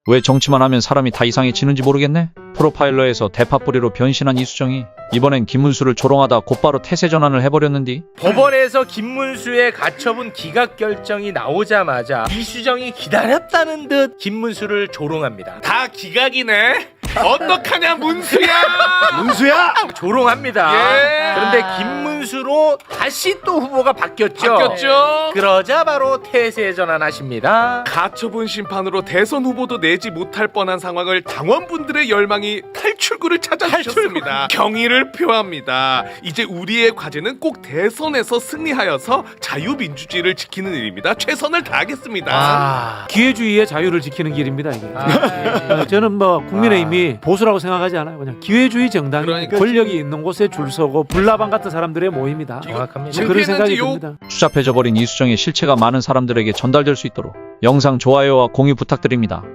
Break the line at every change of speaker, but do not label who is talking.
왜 정치만 하면 사람이 다 이상해지는지 모르겠네. 프로파일러에서 대파뿌리로 변신한 이수정이 이번엔 김문수를 조롱하다 곧바로 태세 전환을 해버렸는디.
법원에서 김문수의 가처분 기각 결정이 나오자마자 이수정이 기다렸다는 듯 김문수를 조롱합니다.
다 기각이네. 어떡하냐 문수야.
문수야!
조롱합니다.
예.
그런데 김문수로 다시 또 후보가 바뀌었죠.
바뀌었죠.
그러자 바로 태세 전환하십니다.
가처분 심판으로 대선 후보도 내지 못할 뻔한 상황을 당원분들의 열망이 탈출구를 찾아주셨습니다. 경의를 표합니다. 이제 우리의 과제는 꼭 대선에서 승리하여서 자유민주주의를 지키는 일입니다. 최선을 다하겠습니다.
기회주의의 자유를 지키는 길입니다 이게.
예.
저는 뭐 국민의힘이 보수라고 생각하지 않아요. 그냥 기회주의 정당,
그러니까.
권력이 있는 곳에 줄 서고 불나방 같은 사람들의 모임이다.
정확합니다.
뭐 그런 생각이
요-
듭니다.
추잡해져버린 이수정의 실체가 많은 사람들에게 전달될 수 있도록 영상 좋아요와 공유 부탁드립니다.